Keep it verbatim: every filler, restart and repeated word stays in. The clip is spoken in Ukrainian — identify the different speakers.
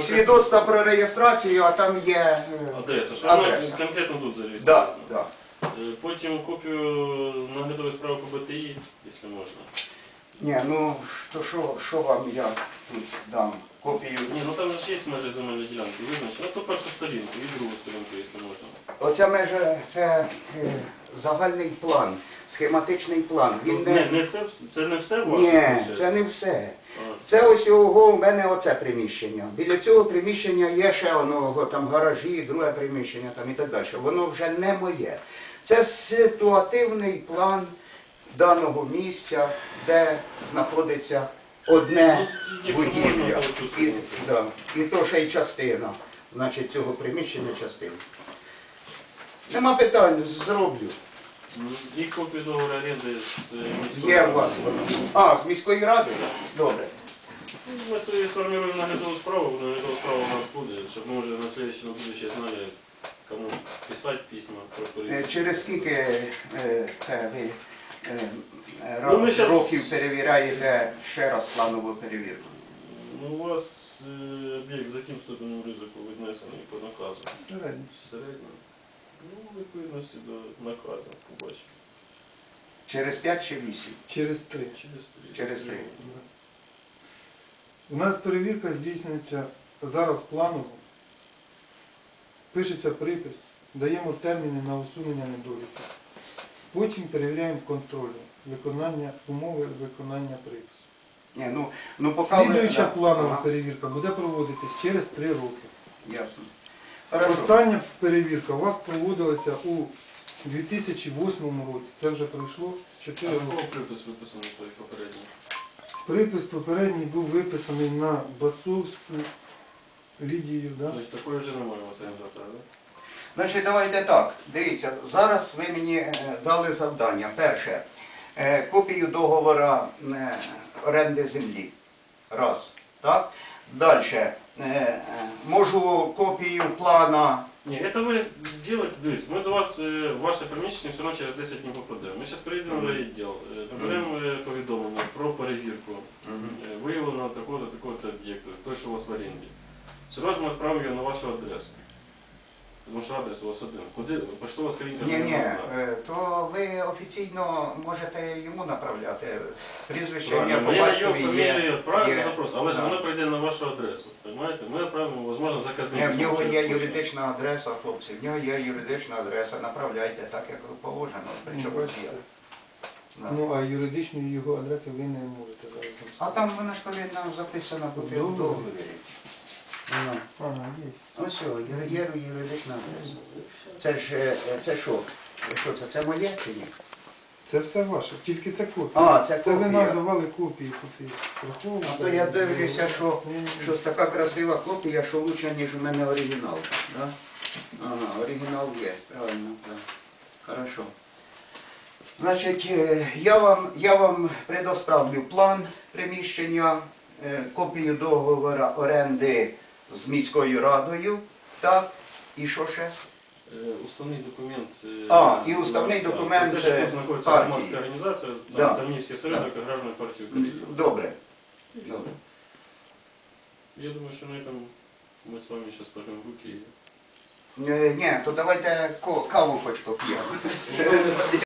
Speaker 1: свідоцтва про реєстрацію, а там є е,
Speaker 2: Адреса, що
Speaker 1: адреса.
Speaker 2: вона конкретно тут
Speaker 1: Да,
Speaker 2: зареєстрована.
Speaker 1: да.
Speaker 2: Е, Потім копію наглядової справи по Б Т І, якщо можна.
Speaker 1: Ні, ну що, що, що вам я тут дам? Копію.
Speaker 2: Ні, ну там ж є межі земельної ділянки, визначено. Ну, то першу сторінку і другу сторінку, якщо можна.
Speaker 1: Оця межа, це е, загальний план, схематичний план. Він
Speaker 2: Не,
Speaker 1: не...
Speaker 2: не це, це не все ваше?
Speaker 1: Ні, це не все.
Speaker 2: А,
Speaker 1: Це ось його, у мене оце приміщення. Біля цього приміщення є ще воно, там гаражі, друге приміщення там, і так далі. Воно вже не моє. Це ситуативний план даного місця, де знаходиться одне
Speaker 2: якщо можна,
Speaker 1: будівля.
Speaker 2: то оцю
Speaker 1: І,
Speaker 2: сторінку.
Speaker 1: да, і то ще й частина, значить, цього приміщення частина. Нема питань, зроблю.
Speaker 2: І копію договору оренди з міською
Speaker 1: Є у
Speaker 2: радою.
Speaker 1: вас воно. А, з міської ради? Добре.
Speaker 2: Ми собі сформируємо наглядову справу, наглядова справа у нас буде, щоб ми вже на слідче, на будущее знали, кому писати письма про
Speaker 1: Е,
Speaker 2: перевірку.
Speaker 1: Через скільки е, це ви е, е,
Speaker 2: Ну, ми щас-
Speaker 1: років перевіряєте ще раз планову перевірку?
Speaker 2: Ну, у вас е, об'єкт з яким ступенем ризику віднесений по наказу?
Speaker 3: Середньо.
Speaker 2: Середньо. Ну, у відповідності до наказу, побачимо.
Speaker 1: Через п'ять чи вісім?
Speaker 3: Через три.
Speaker 2: Через три.
Speaker 1: Через три.
Speaker 3: У нас перевірка здійснюється зараз планово. Пишеться припис, даємо терміни на усунення недоліків. Потім перевіряємо контроль, виконання умови виконання припису.
Speaker 1: Ні, ну, ну поки ви-
Speaker 3: Слідуюча
Speaker 1: да.
Speaker 3: планова
Speaker 1: Ага,
Speaker 3: перевірка буде проводитись через три роки.
Speaker 1: ясно. Хорошо.
Speaker 3: Остання перевірка у вас проводилася у дві тисячі восьмому році. Це вже пройшло
Speaker 2: А
Speaker 3: чотири
Speaker 2: якого
Speaker 3: роки.
Speaker 2: припис виписаний той попередній?
Speaker 3: Припис попередній був виписаний на Басовську Лідію. Да?
Speaker 2: Тобто такої вже немає у вас орендатора, так?
Speaker 1: Значить, давайте так. Дивіться, зараз ви мені е, дали завдання. Перше, е, копію договору е, оренди землі. Раз. Так? Далі. Е, е, можу копію плана.
Speaker 2: Ні, це ви зробите, дивіться, ми до вас, е, ваше приміщення все одно через десять днів попадемо. Ми зараз приїдемо в райвідділ, е, наберемо е, повідомлення про перевірку. Е, Виявлено такого-то, такого-то об'єкту, той, що у вас в оренді. Все одно ж ми відправимо його на вашу адресу. Тому що адрес у вас один. Куди? Поштова скринька
Speaker 1: Ні,
Speaker 2: не
Speaker 1: ні,
Speaker 2: можна.
Speaker 1: е, то ви офіційно можете йому направляти. Прізвище, ім'я
Speaker 2: Правильно,
Speaker 1: по
Speaker 2: ми на його
Speaker 1: батькові
Speaker 2: фамілію
Speaker 1: є.
Speaker 2: відправимо
Speaker 1: є.
Speaker 2: запрос, але ж
Speaker 1: Да.
Speaker 2: воно прийде на вашу адресу. Понимаєте? Ми відправимо, можливо, заказник.
Speaker 1: Ні, в нього
Speaker 2: через
Speaker 1: є
Speaker 2: пошту.
Speaker 1: юридична адреса, хлопці, в нього є юридична адреса, направляйте так, як положено. Причому
Speaker 3: Ну,
Speaker 1: є. Да.
Speaker 3: Ну, а юридичної його адреси ви не можете зараз.
Speaker 1: А там вона ж повинна записана по
Speaker 3: Договір.
Speaker 1: договорі. Ну,
Speaker 3: А, ну, є.
Speaker 1: ось о, є є юридична адреса. Це ж, е, це що? Що це? Це моє чи ні?
Speaker 3: Це все ваше, тільки це копія.
Speaker 1: А, це
Speaker 3: Це ви
Speaker 1: копія.
Speaker 3: нам давали копії копії. Враховуєте?
Speaker 1: А то я дивлюся, що
Speaker 3: Ні, ні, ні.
Speaker 1: щось така красива копія, що лучше, ніж у мене оригінал. Да? Ага, оригінал є, правильно, так. Хорошо. Значить, е, я вам, я вам предоставлю план приміщення, е, копію договору оренди з міською радою, так, і що ще?
Speaker 2: Е, Уставний документ. е,
Speaker 1: А, і уставний
Speaker 2: так,
Speaker 1: документ,
Speaker 2: те, що
Speaker 1: е,
Speaker 2: тут знаходиться
Speaker 1: партії.
Speaker 2: громадська організація,
Speaker 1: Да.
Speaker 2: там Давнівський осередок аграрної партії України.
Speaker 1: Добре. Добре.
Speaker 2: Я думаю, що на этом ми з вами зараз пожмемо руки.
Speaker 1: Е, Ні, то давайте ко- каву хоч поп'ємо.